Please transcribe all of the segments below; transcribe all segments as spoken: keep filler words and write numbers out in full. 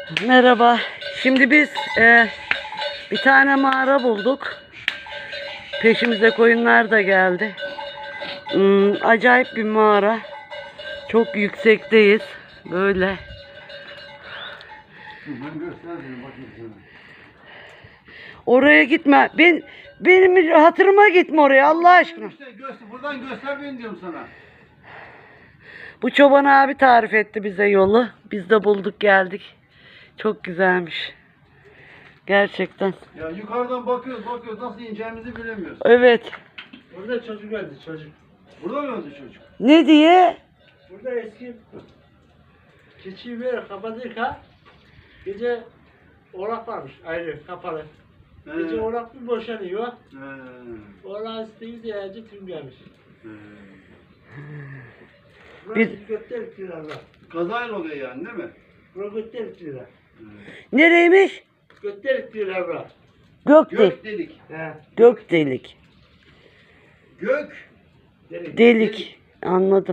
Merhaba. Şimdi biz e, bir tane mağara bulduk. Peşimize koyunlar da geldi. Hmm, acayip bir mağara. Çok yüksekteyiz. Böyle. Oraya gitme. Ben benim hatırıma gitme oraya Allah aşkına. İşte göster, buradan göster beni diyorum sana. Bu çoban abi tarif etti bize yolu. Biz de bulduk geldik. Çok güzelmiş. Gerçekten. Ya yukarıdan bakıyoruz bakıyoruz nasıl ineceğimizi bilemiyoruz. Evet. Burada çocuk öldü çocuk. Burada mı öldü çocuk? Ne diye? Burada eski keçiyi böyle kapatırken gece orak varmış ayrı kapalı. He. Gece orak bir boşanıyor. He. Orak isteği ziyarete tüm gelmiş. He. Burası Bir- götter lira var. Kazayla oluyor yani değil mi? Burası götter lira. He. Nereymiş? Götter lira var. Gök, delik. Gök delik. He. Gök delik. Gök Delik. Delik. Anladım.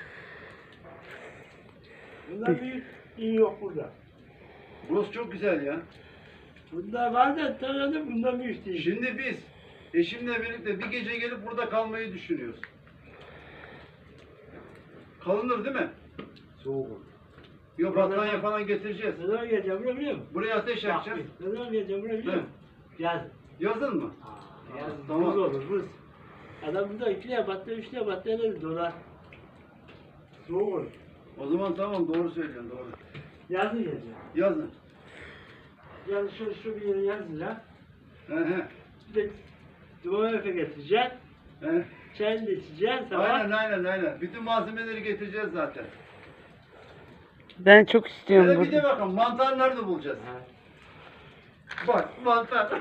Bundan büyük iyi yok burada. burası çok güzel ya. Bunda var da tanıdım bundan büyük değil. Şimdi biz eşimle birlikte bir gece gelip burada kalmayı düşünüyoruz. Kalınır değil mi? Soğuk olur. Yok battaniye falan getireceğiz. Ne zaman geleceğim bunu biliyor musun? Buraya ateş yakacağız. Bak, ne zaman geleceğim bunu biliyor musun? Yaz. Yazın mı? Yaz. Tamam. Buz olur buz. Adam burada iki lira battı, üç lira battı, ne dolar. Soğuk olur. O zaman tamam doğru söylüyorsun doğru. Yazın geleceğim. Yazın. Yani şu, şu bir yere yazın He he. Bir de duman öfe getireceğim. he. Çayını da içeceğim sabah. Aynen aynen aynen. Bütün malzemeleri getireceğiz zaten. Ben çok istiyorum Hele bir de burada. bakalım mantar nerede bulacağız? Ha. Bak mantar.